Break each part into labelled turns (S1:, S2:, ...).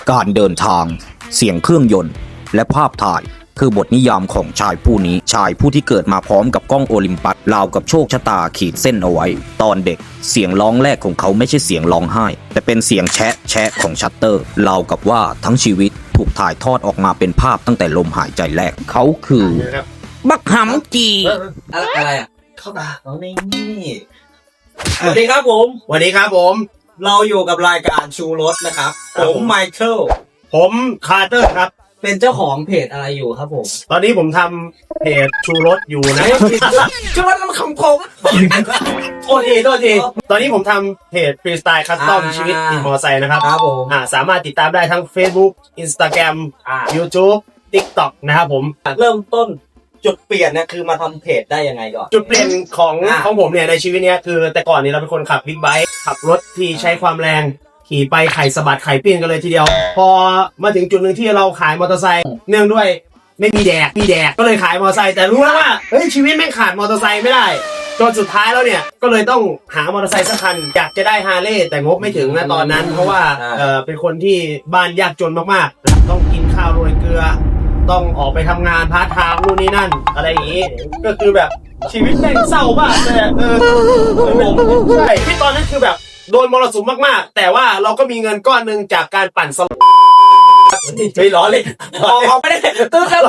S1: การเดินทางเสียงเครื่องยนต์และภาพถ่ายคือบทนิยามของชายผู้นี้ชายผู้ที่เกิดมาพร้อมกับกล้องโอลิมปัสราวกับโชคชะตาขีดเส้นเอาไว้ตอนเด็กเสียงร้องแรกของเขาไม่ใช่เสียงร้องไห้แต่เป็นเสียงแชะแชะของชัตเตอร์ราวกับว่าทั้งชีวิตถูกถ่ายทอดออกมาเป็นภาพตั้งแต่ลมหายใจแรกเขาคือบักหำจี
S2: อะไรอ่ะ
S3: เข้าตาเอานี่
S2: สวัสดีครับผม
S3: สวัสดีครับผม
S2: เราอยู่กับรายการชูรสนะครับผมไมเคิล
S3: ผมคาร์เตอร์ครับ
S2: เป็นเจ้าของเพจอะไรอยู่ครับผม
S3: ตอนนี้ผมทำเพจชูรสอยู่นะ
S2: ชูรสมันของผมโทษที
S3: ตอนนี้ผมทำเพจฟรีสไตล์คัสตอมชีวิตขี่มอเตอร์ไซค์นะครับ
S2: ครับผม
S3: สามารถติดตามได้ทั้ง Facebook Instagram YouTube TikTok นะครับผม
S2: เริ่มต้นจุดเปลี่ยนเนี่ยคือมาทำเพจได้ยังไงก่อน
S3: จุดเปลี่ยนของผมเนี่ยในชีวิตเนี้ยคือแต่ก่อนนี้เราเป็นคนขับบิ๊กไบค์ขับรถที่ใช้ความแรงขี่ไปไข่สะบัดไข่ปิ้นกันเลยทีเดียว พอมาถึงจุดหนึ่งที่เราขายมอเตอร์ไซค์เนื่องด้วยไม่มีแดกก็เลยขายมอเตอร์ไซค์แต่รู้แล้วว่าเฮ้ยชีวิตแม่งขาดมอเตอร์ไซค์ไม่ได้จนสุดท้ายแล้วเนี่ยก็เลยต้องหามอเตอร์ไซค์สักคันอยากจะได้ฮาร์เลย์แต่งบไม่ถึงนะตอนนั้นเพราะว่าเป็นคนที่บ้านยากจนมากๆต้องกินข้าวโรยเกลือต้องออกไปทำงานพาร์ทไทม์นู่นนี่นั่นอะไรอย่างงี้ก็คือแบบชีวิตแม่งเศร้ามากเลยใช่ที่ตอนนั้นคือแบบโดนมรสุมมากๆแต่ว่าเราก็มีเงินก้อนหนึ่งจากการปั่นสล็อตไม่ล้อเลยออกไม่ได้ตื้อแล้ว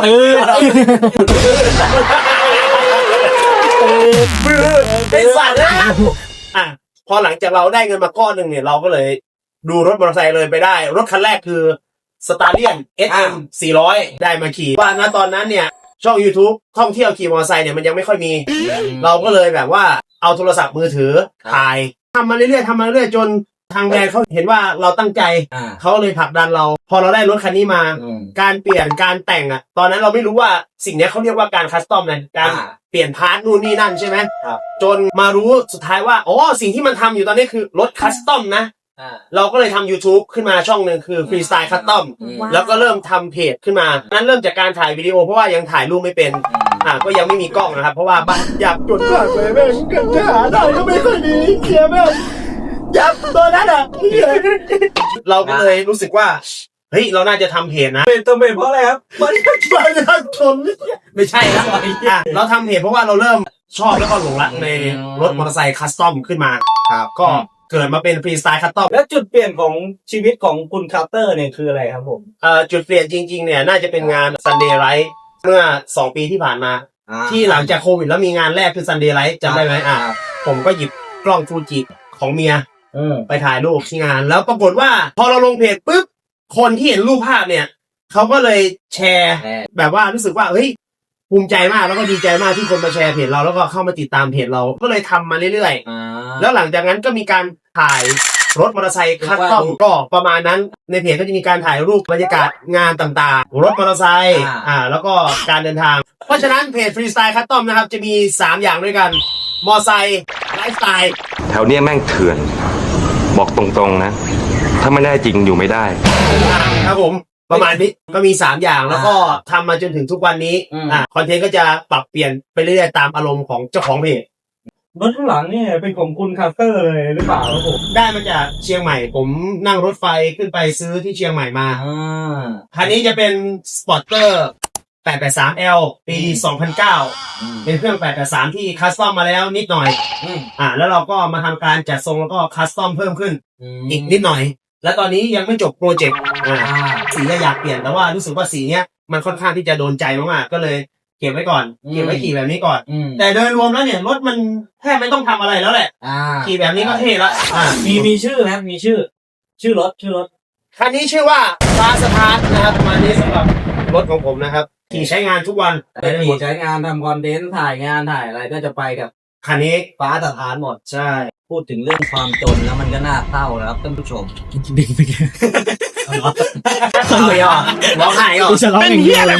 S3: ไอ้สัตว์เลยพอหลังจากเราได้เงินมาก้อนหนึ่งเนี่ยเราก็เลยดูรถมอเตอร์ไซค์เลยไปได้รถคันแรกคือสตาร์เลียน SM 400ได้มาขี่ว่าณตอนนั้นเนี่ยช่อง YouTube ท่องเที่ยวขี่มอเตอร์ไซค์เนี่ยมันยังไม่ค่อยมีเราก็เลยแบบว่าเอาโทรศัพท์มือถือถ่ายทำมาเรื่อยๆจนทางแบรนด์เขาเห็นว่าเราตั้งใจเขาเลยผลักดันเราพอเราได้รถคันนี้มาการเปลี่ยนการแต่งอ่ะตอนนั้นเราไม่รู้ว่าสิ่งนี้เขาเรียกว่าการคัสตอมนะการเปลี่ยนพาร์ทนู่นนี่นั่นใช่ไหมจนมารู้สุดท้ายว่าอ๋อสิ่งที่มันทำอยู่ตอนนี้คือรถคัสตอมนะเราก็เลยทำ YouTube ขึ้นมาช่องหนึ่งคือ Freestyle Custom แล้วก็เริ่มทำเพจขึ้นมานั้นเริ่มจากการถ่ายวิดีโอเพราะว่ายังถ่ายรูปไม่เป็นก็ยังไม่มีกล้องนะครับเพราะว่าบ้านอยากจดมากเลยแม่งจะหาได้ก็ไม่ค่อยดีเคลียร์แม่งยับตอนนั้นเราก็เลยรู้สึกว่าเฮ้ยเราน่าจะทำเพจนะ
S2: เป็นตัวเป็นเพราะอะไรครับ
S3: มันยากจนไม่ใช่นะเราทำเพจเพราะว่าเราเริ่มชอบแล้วก็หลงรักในรถมอเตอร์ไซค์คัสตอมขึ้นมาก็เกิดมาเป็นฟรีสไตล์คัสตอม
S2: แล้วจุดเปลี่ยนของชีวิตของคุณคาร์เตอร์เนี่ยคืออะไรครับผม
S3: จุดเปลี่ยนจริงๆเนี่ยน่าจะเป็นงาน Sunday Light เมื่อ2 ปีที่ผ่านมาที่หลังจากโควิดแล้วมีงานแรกคือ Sunday Light จำได้ไหมผมก็หยิบกล้องฟูจิของเมียไปถ่ายรูปที่งานแล้วปรากฏว่าพอเราลงเพจปุ๊บคนที่เห็นรูปภาพเนี่ยเขาก็เลยแชร์แบบว่ารู้สึกว่าเฮ้ยภูมิใจมากแล้วก็ดีใจมากที่คนมาแชร์เพจเราแล้วก็เข้ามาติดตามเพจเราก็เลยทำมาเรื่อยๆแล้วหลังจากนั้นก็มีการถ่ายรถมอเตอร์ไซค์คัสตอมก็ประมาณนั้นในเพจก็จะมีการถ่ายรูปบรรยากาศงานต่างๆรถมอเตอร์ไซค์แล้วก็การเดินทางเพราะฉะนั้นเพจฟรีสไตล์คัสตอมนะครับจะมี3อย่างด้วยกันมอเตอร์ไซค์ไลฟ์สไตล์
S4: แถวเนี้ยแม่งเถื่อนบอกตรงๆนะถ้าไม่ได้จริงอยู่ไม่ได้
S3: ครับผมประมาณนี้ก็มี3อย่างแล้วก็ทำมาจนถึงทุกวันนี้คอนเทนต์ก็จะปรับเปลี่ยนไปเรื่อยๆตามอารมณ์ของเจ้าของเพจ
S2: รถข้างหลังเนี่ยเป็นของคุณคาร์เตอร์เลยหรือเปล่าครับผม
S3: ได้มาจากเชียงใหม่ผมนั่งรถไฟขึ้นไปซื้อที่เชียงใหม่มาคันนี้จะเป็นสปอร์เตอร์ 883L ปี 2009เป็นเครื่อง 883ที่คัสตอมมาแล้วนิดหน่อยแล้วเราก็มาทำการจัดทรงแล้วก็คัสตอมเพิ่มขึ้นอีกนิดหน่อยและตอนนี้ยังไม่จบโปรเจกต์สีอยากเปลี่ยนแต่ว่ารู้สึกว่าสีเนี้ยมันค่อนข้างที่จะโดนใจมากๆก็เลยเก็บไว้ก่อนเก็บไว้ขี่แบบนี้ก่อนแต่โดยรวมแล้วเนี่ยรถมันแทบไม่ต้องทำอะไรแล้วแหละขี่แบบนี้ก็เท่ละ
S2: มีชื่อไหมมีชื่อรถ
S3: คันนี้ชื่อว่าฟ้าสถานนะครับมานี้สำหรับรถของผมนะครับขี่ใช้งานทุกวัน
S2: ขี่ใช้งานทำคอนเทนต์ถ่ายงานถ่ายอะไรก็จะไปกับ
S3: คันนี้
S2: ฟ้าสถานหมด
S3: ใช่
S2: พูดถึงเรื่องความจนแล้วมันก็น่าเศร้านะครับท่านผู้ชม
S3: ดึงไปแกร้องไห้ก็เป็นเหี้ยอะไร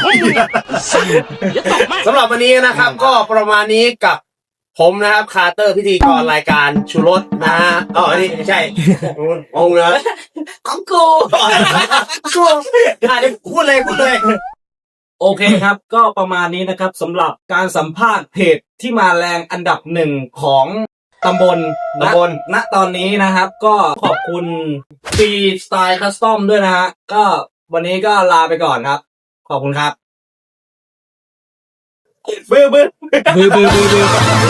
S3: สำหรับวันนี้นะครับก็ประมาณนี้กับผมนะครับคาร์เตอร์พิธีกรรายการชูรสนะนี่ไม่ใช่องค์นะ
S2: ของกู
S3: พูดเลย
S2: โอเคครับก็ประมาณนี้นะครับสำหรับการสัมภาษณ์เพจที่มาแรงอันดับ1ของตำบลณตอนนี้นะครับ ก็ขอบคุณฟรีสไตล์คัสตอมด้วยนะฮะก็วันนี้ก็ลาไปก่อนครับ ขอบคุณครับ
S3: บื้อ
S2: บือ